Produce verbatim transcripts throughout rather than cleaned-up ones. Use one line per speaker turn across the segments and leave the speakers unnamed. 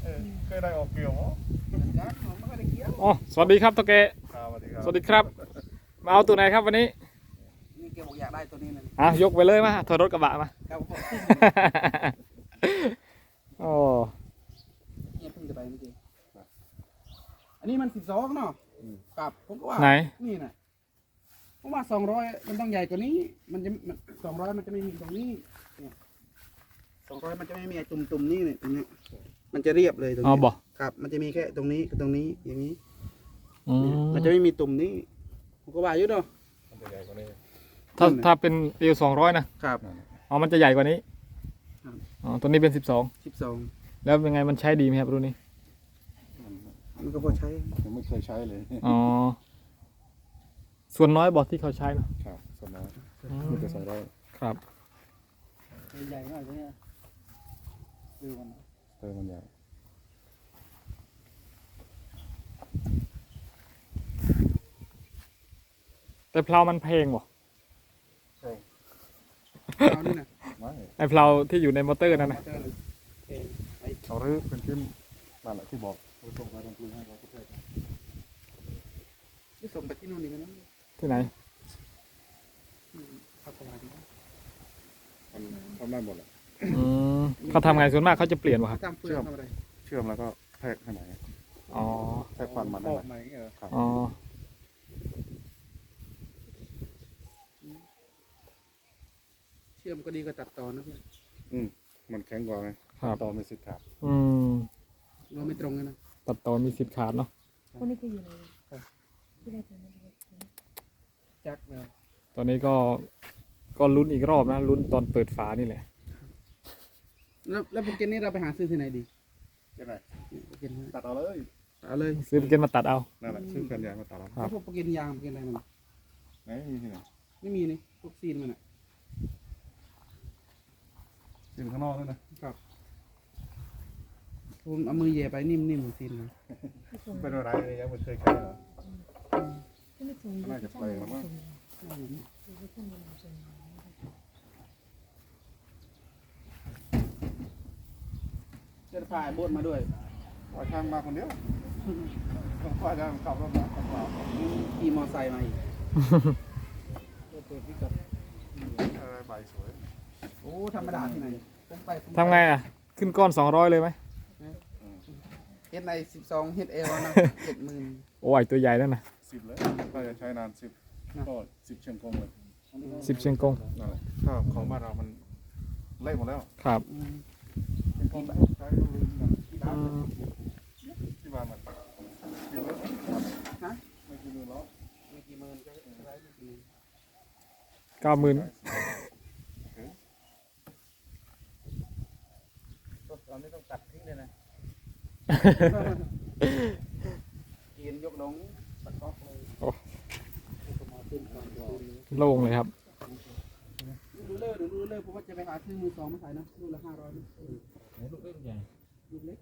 เคยได้ออกเกี่ยวมั้ง
อ๋อสวัสดีครับตะเก
สวัสดีครับ
สวัสดีครับมาเอาตัวไหนครับวันนี้
นี่แกบอกอยากได้ตัวนี้นะ
อ่ะยกไปเลยมาถอยรถกระบะมา
ครับผม
โอ้
เนี่ยเพิ่งจะไปเมื่อกี้อันนี้มันสิบสองเนาะกับผมก็ว่า
ไหน
นี่นะผมว่าสองร้อยมันต้องใหญ่กว่านี้ มันจะสองร้อยมันจะไม่มีตรงนี้เนี่ยสองร้อยมันจะไม่มีไอ้ตุ่มๆนี่เนี่ยตรงเนี้ยมันจะเรียบเลยตรง
อ๋อ
นี้
บอก
ครับ มันจะมีแค่ตรงนี้กับตรงนี้อย่างนี้
อืม
มันจะไม่มีตุ่มนี้ผมก็ว่าอยู่เนาะ
มันจะใหญ่กว่านี้
ถ้าถ้าเป็นเอวสองร้อยนะครับ อ๋อมันจะใหญ่กว่านี้
ครับ
อ๋อตัวนี้เป็นสิบสอง
สิบสอง
แล้วเป็นไงมันใช้ดีไหมครับรุ่นนี้
มันก็พอใช้
ยังไม่เคยใช้เลย
อ๋อส่วนน้อยบอกที่เขาใช้เนอะ
ครับสมัย
อืม
มีแต่สองร้อย
ครับ
ใหญ่หน่อยตัวเนี้ยดูมัน
เติมมันใหญ่
แต่เพลามันเพลงบ่
เอานี่นะ
ไม่
ไอเพลาที่อยู่ในมอเตอร์นั่นนะ
เอารื้อเป็นขึ้นนั่นแหละที่บอกเราส่งไปตรงกลางให้เราก็ได้
ที่ส่งไปที่นู่นนี่กันนะ
ที่ไหน
ครับประมาณนี้
ทำทำได้หมดแหละ
อืมเขาทำไงส่วนมากเขาจะเปลี่ยนวะครับ
ทำเฟืองทำอะไร
เชื่อมแล้วก็แทกให้ไหน
อ๋อ
แทกควันมันได้ไหมครับ
อ๋อ
เชื่อมก็ดีกว่าตัดต่อนะเพื่อน
อืมมันแข็งกว่าไง
ครับ
ต่อไม่สิทธิ์ขาด
อืม
เราไม่ตรงกันนะ
ตัดต่อมีสิทธิ์ขาดเนาะ
คนนี้คืออยู่ในที่ได้ตัวนี้
จักเลย
ตอนนี้ก็ก็ลุ้นอีกรอบนะลุ้นตอนเปิดฝานี่แหละ
แล้วแล้วโปรแกรมนี้เราไปหาซื้อที่ไหนดี
ยังไง
โปรแกรมนี้
ตัดเอาเลย
เอาเลย
ซื้อเป็นเกณฑ์มาตัดเอา
นั่นแหละซื้อแผ่นยางมาตัดเอา
ครับ
แล้วพวกโปรแกรมยางโปรแกรมอะไรมัน
ไหนมีที่ไหน
ไม่มีนี่พวกซีนมันอ่ะ
ซีนข้างนอกด้วยนะครับ
ผมเอามือแย่ไปนิ่มๆเหมือนซีนเลย
เป็นอะไรยังไม่เคยใช้เหรอ
ที่ไม่ส่ง
น่าจะแปลงแล้วมั้ง
เจะพายโบนมาด้วย
ว่าช่างมาคนเดียวต้องว่าช่างขับรถมาขับเปล่า
ขี่มอไซค์มาอีกเปิดพิกัด
อะไรใบสวย
โอ้ธรรมดาที่ไหนผมไปผมป
ทำไงอ่ะ ขึ้นก้อนสองร้อยเลยไหม
เฮ็ดในสิบสองเฮ็ดเอลนะเจ็ดหมื่น
โอ้ยตัวใหญ่นั่นนะ
สิบเลยก็จะใช้นานสิบก็สิบเชียงกงเลย
สิบเชียงกง
นั่นแหละถ้าของบ้านเรามันเละหมดแล้ว
ครับ
เชียงกงใช้ลืมนะ
อืม
ที่บ้านมันกินเลย
ฮะ
ไม่กินเลยหรอก
มีกี่หมื่นก็ได้ไม่กี่หมื่น
เก้าหมื่น
ตอนนี้ต้องตัดทิ้งเลยนะกินยกลงตัดออกเลย
โล่งเลยครับ
ดูเลิศดูเลิศเพราะว่าจะไปหาซื้อมือสองมาขายนะลูกละห้าร้อยนะลูกเล็กใหญ่ลูกเล็ก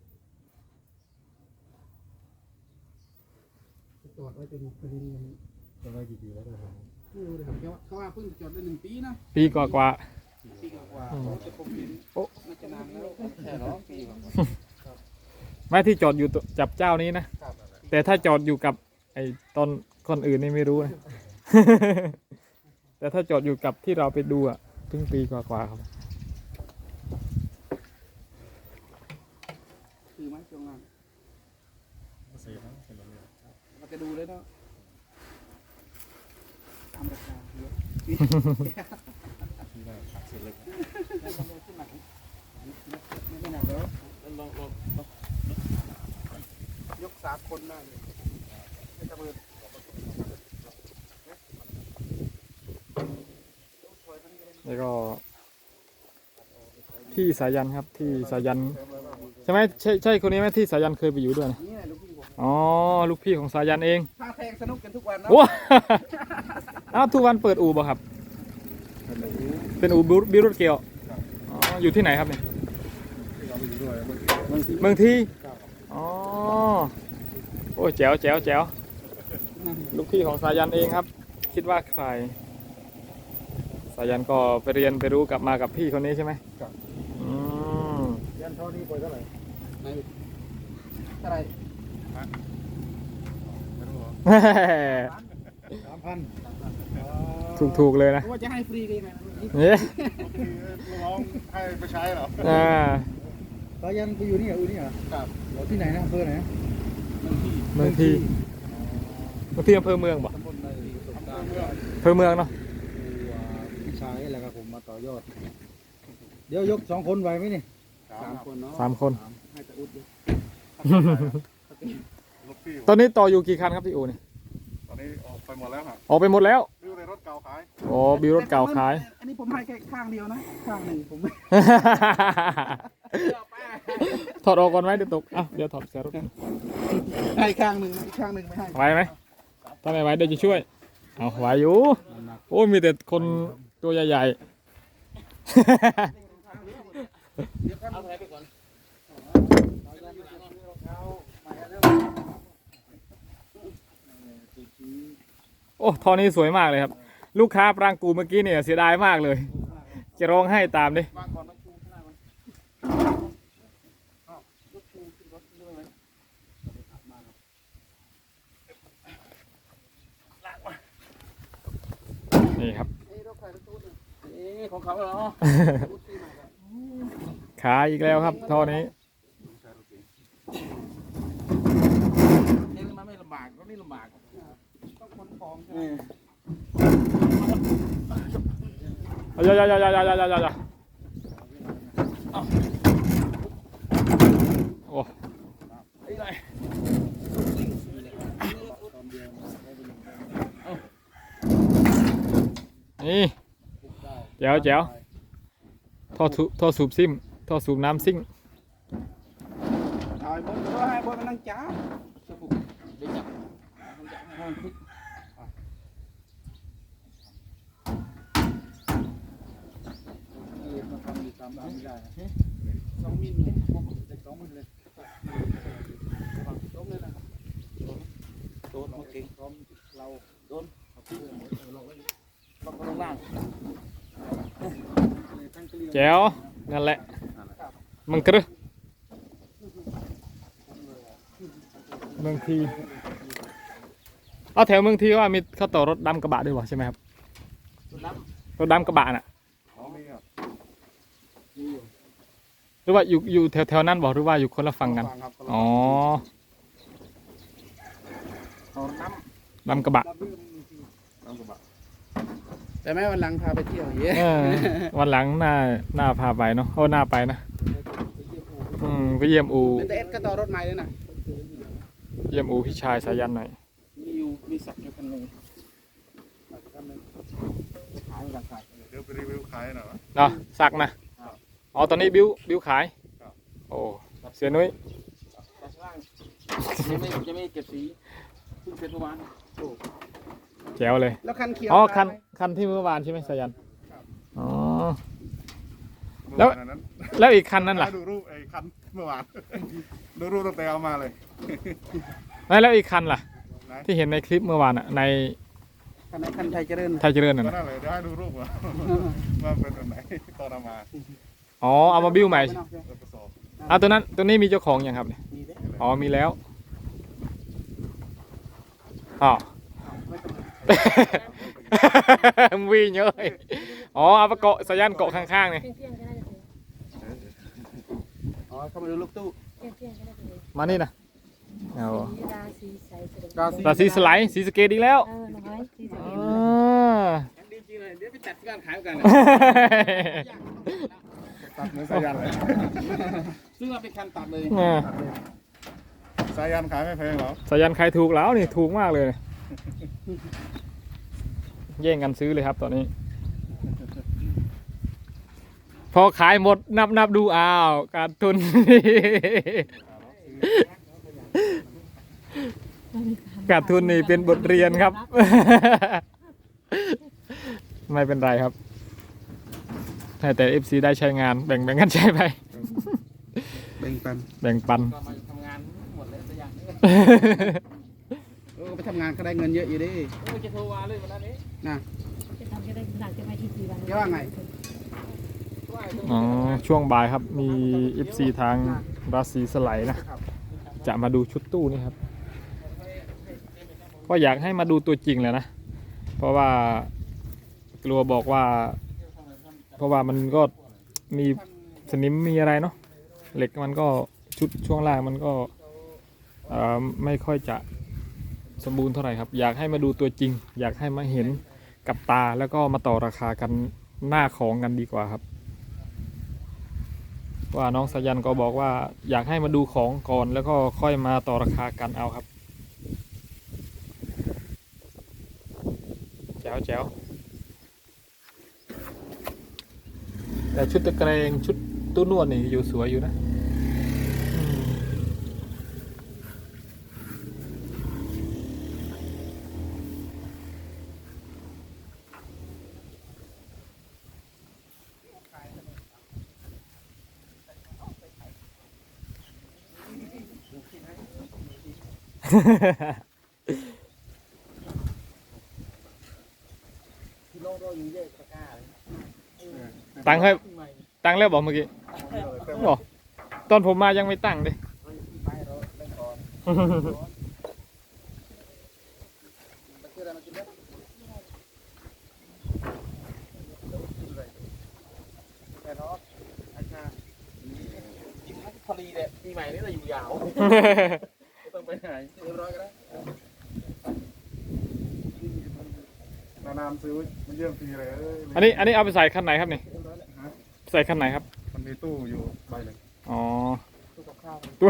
จอดไว้เป็นคดีเงิน
จะได้กี่ปีแล้วครับ
ไม่รู้เลยครับเขาว่าเขาว่าเพิ่งจอดได้หนึ่งปีนะ
ปีกว่ากว่า
ปีกว่าๆเขาจะคงเห็น
โอ้
น่าจะนานแล้วแค่หรอปีกว่า
ๆไม่ที่จอดอยู่ตัวจับเจ้านี้นะ
ครับ
แต่ถ้าจอดอยู่กับไอ้ตอนคนอื่นนี่ไม่รู้นะ แต่ถ้าจอดอยู่กับที่เราไปดูอ่ะเพิ่งปีกว่าๆครับ
คือไหมช่วงนั้น
เสียนะเป็นแบบนี้
เราจะดูเลยเนาะตามราคาเยอะ
ที่ได้ขาดเศษเล็ก
แล้วมันขึ้นหนักไม่ไม่หนักแล้วลองลองยกสามคนได้เลยไม่จะมือ
แล้วก็ที่สายันครับที่สายันใช่ไหมใช่ใช่คนนี้ไหมที่สายันเคยไปอยู่ด้วยนะ
นี่แหละลูกพี่ผม
อ๋อลูกพี่ของสายันเอง
ท่าแทงสนุกกันทุกวันนะ
ว้า อ้าวทุกวันเปิดอู่บ่ครับ เป็นอู่บิรุตเกียวอ๋ออยู่ที่ไหนครับเนี่ย
ที่เราไปอยู่ด้วยบางที
เมืองที่อ๋อโอ้ยแจ๋วแจ๋วแจ๋วลูกพี่ของสายันเองครับ คิดว่าใครสายันก็ไปเรียนไปรู้กลับมากับพี่คนนี้ใช่ไหมอืม
ยันเท่านี้ไปเท่าไหร่
ไหนอะไร
ไม่รู้เหรอ
สามพัน
ถูกถูกๆเลยนะ
ว่าจะให้ฟรีดีไง
เนี่ย
คือลูกน้องให้ไปใช้เหรอ
อ่า
สายันไปอยู่นี่เหรออยู่นี่เหรอครับอยู่ที่ไหนนะอำเภอไหน
เมืองทีเมืองทีอำเภอเมืองบ่
ตำบลใน
อำเภอเมืองเนาะ
พี่ชายแล้วครับผมมาต่อยอด เดี๋ยวยกสองคนไหวไหมนี่สามคนเนาะ
สามคน
ให้ตะอุดดิ
ลูกพี่
ตอนนี้ต่ออยู่กี่คันครับพี่อูนี่
ตอนนี้ออกไปหมดแล้วฮะ
ออกไปหมดแล้ว
ดูในรถเก่าขาย
อ๋อบิวรถเก่าขาย
อันนี้ผมให้แค่ข้างเดียวนะข้างหนึ่งผมไม่
ถอดออกก่อนไหมเดี๋ยวตกอ่ะเดี๋ยวถอดเสียรถ
ให้ข้างหนึ่งอีกข้างหนึ่งไม่ให้
ไหวไหมถ้าไม่ไหวเดี๋ยวจะช่วยเอาไหวอยู่โอ้ยมีแต่คนตัวใหญ่ๆ
เอาไปก่อน
โอ้ท่อนี้สวยมากเลยครับ ลูกค้าปรางกูเมื่อกี้เนี่ยเสียดายมากเลย จะร้องให้ตามดิ
วางก่อนมาชูข้างหน้ามันอ้าวรถชูขึ้นรถด้วยไหม
นี่ครับ
เอ้ยรถใครรถตู้เนี่ยเอ้ยของเขาเหรอ
ขายอีกแล้วครับท่อนี้
นี่มันไม่ลำบากรถนี่ลำบากต้องขนของใช่ไหม
อย่าอย่าอย่าอย่าอย่าอย่าอย่าโอ้
ไอ้ไร
นี่แจ๋วแจ๋วท่อสูท่อสูบซิมท่อสูบน้ำซิ่ง
เอาไอ้บนก็ให้บนมันนั่งจ้าสบุกเดี๋ยวจับให้มันพลิกเอ็นมาทำอยู่ตามร้านไม่ได้นะสองมิลเลยเด็กสองมิลเลยล้มเลยนะครับโดนมาเก่งพร้อมเราโดนเอาขึ้นเราไว้ล็อกลงล่าง
แจ๋วนั่นแหละมึงกรึเมืองทีเอาแถวเมืองทีว่ามีเขาต่อรถดำกระบะด้วยวะใช่ไหมครับรถดำกระบะน่ะ
อ๋อมีอ่ะ
หรือว่าอยู่อยู่แถวแถวนั้นบอกหรือว่าอยู่คนละฝั่งกัน
ฟังครับ
อ๋อ
เอาน้
ดำกระบะ
น้ำกระบะ
ำแต่แม่วันหลังพาไปเที่ยวเยอะ
เออวันหลังหน้าหน้าพาไปเนาะโอ้หน้าไปนะอืมไปเยี่ยมอู
แต่เอ็ดก็ต่อรถใหม่เลยนะ
เยี่ยมอูพี่ชายสายันหน่อย
มีอยู่มีสักอยู่คันหนึ่งขายราคา
เดี๋ยวไปรีวิวขายหน่อย
เนาะสักนะอ๋อตอนนี้บิ้วบิ้วขาย
ครับ
โอ้เสียนุ้ย
แต่ข้างล่างยังไม่ยังไม่เก็บสีเพิ่งเสร็จเมื่อวาน
แจ๋วเลย
แล้วคันเขียว
อ๋อคัน
ตายไหม
คันที่เมื่อวานใช่ไหมสายันอ๋อ
แล้
แล้ว ว
นั้น
แล้วอีกคันนั้นล่ะ
ดูรูปไอ้คันเมื่อวาน ดูรูปตั้งแต่เอามาเลย
ไม่แล้วอีกคันล่ะ
ไหน
ที่เห็นในคลิปเมื่อวานอะใน
คันไหนคันไทยเจริญ
ไทยเจริญ
ก็
น่ะนะ
นั่นเลยเดี๋ยวให้ดูรูปว่าว่าเป็นแบบไหนตอนเอามา
อ๋อเอามาบิ้วใหม่
แล้วก็สอบ
อ่ะตัวนั้นตัวนี้มีเจ้าของยังครับเนี่ย
มีไหม
อ๋อมีแล้วอ๋อ วิ่งเยอะเลยอ๋อเอาไปเกาะสายันเกาะข้างๆเนี่ย
เที่ยงเที่ยงก็น่าจะถึง
อ๋อเข้ามาดูลูกตู้
เที่ยงเที่ยงก็น่าจะถึง
มานี่นะเอา
สีราศีใสเสด็จ
ราศี
ราศีสไลด์สีสะเกตอีกแล้ว
เออน้อยสีสะ
อ๋
เก
อ
ด
ดีจริงเลยเดี๋ยวไปจัดการขายกันเลย
ตัดเหมือนสายันเลย
ซึ่งเราเป็นคันตัดเลย
อ่า
สายันขายไม่แพงหรอ
สายันใครถูกแล้วนี่ถูกมากเลย แย่งกันซื้อเลยครับตอนนี้ พอขายหมดนับนับดูอ้าวการทุน ขาดทุนนี่เป็นบทเรียนครับ ไม่เป็นไรครับให้แต่ เอฟ ซี ได้ใช้งานแบ่งแบ่งกันใช้ไป
แบ่งปัน
แบ่งปัน
ก็มาทำงานหมดเลยตัวอย่างนี้เออไปทำงานก็ได้เงินเยอะอยู่ดิเออจะโทรมาเลยวันนี้นะ
จะทำจะได้หนักจะไปที่สี่วัน
แกว่าไง
อ๋อช่วงบ่ายครับมี เอฟ ซี ทางราศีสไลด์นะจะมาดูชุดตู้นี่ครับก็อยากให้มาดูตัวจริงเลยนะเพราะว่ากลัวบอกว่า เพราะว่ามันก็มีสนิมมีอะไรเนาะเหล็กมันก็ชุดช่วงล่างมันก็เอ่อไม่ค่อยจะสมบูรณ์เท่าไหร่ครับอยากให้มาดูตัวจริง อยากให้มาเห็นกับตาแล้วก็มาต่อราคากันหน้าของกันดีกว่าครับว่าน้องสายันก็บอกว่าอยากให้มาดูของก่อนแล้วก็ค่อยมาต่อราคากันเอาครับแจ๋วแจ๋วแต่ชุดตะเกรงชุดตู้นวดนี่อยู่สวยอยู่นะตั้งให้ตั้งแล้วบอกเมื่อกี้บอกตอนผมมายังไม่ตั้งเลย
พอดีเลยปีใหม่นี่เราอยู่ยาวต้องไปไหนเรียบร้อยก็ได้
นานๆซื้อมันเยี่ยมทีเลย
อันนี้อันนี้เอาไปใส่คันไหนครับนี่ใส่คันไหนครับ
มันมีตู้อยู่ใบหนึ่ง
อ๋อ
ตู้กับข้าว
ตู้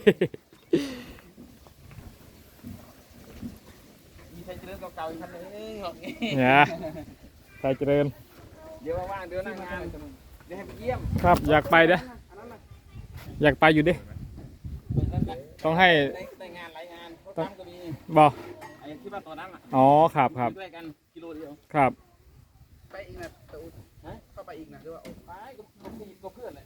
มีใช้เจริญเก่าๆอีกคันนึงเหรอ
เนี่ยใส่เจริญ
เดี๋ยวว่างๆเดี๋ยวนั่งงานเดี๋ยวให้ไปเยี่ยม
ครับอยากไปเด้อ
อันนั้นน่ะ
อยากไปอยู่ดิต้องให้
ได้ได้งานหลายงานเขาทำก็มี
บอก
ไอ้ที่ว่าตอนนั้นอ่ะ
อ๋อครับครับ
ด้วยกันกิโลเดียว
ครับ
ไปอีกนะตะอุดฮะเข้าไปอีกนะหรือว่าไปก็ก็เพื่อนแหละ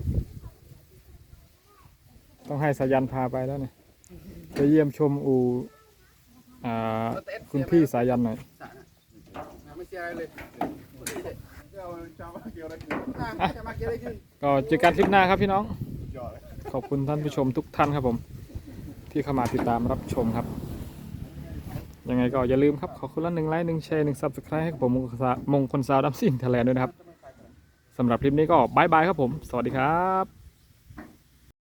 ต้องให้สายันพาไปแล้วเนี่ยไปเยี่ยมชมอูอ่าคุณพี่สายันหน่อย
ไม่เสียอะไรเลย
เอาชาวบ้านเกี่ยวอะไรกัน
อ่ะจะมาเกี่ยวอะไรขึ้น
ก็เจอกันคลิปหน้าครับพี่น้อง
ยอดเลย
ขอบคุณท่านผู้ชมทุกท่านครับผม ที่เข้ามาติดตามรับชมครับ ยังไงก็อย่าลืมครับ ขอคุณละหนึ่งไลค์หนึ่งแชร์หนึ่งซับสไครต์ให้กับผมมงคลสาวดัมซิ่งไทยแลนด์ด้วยนะครับสำหรับคลิปนี้ก็บายบายครับผม สวัสดีครับ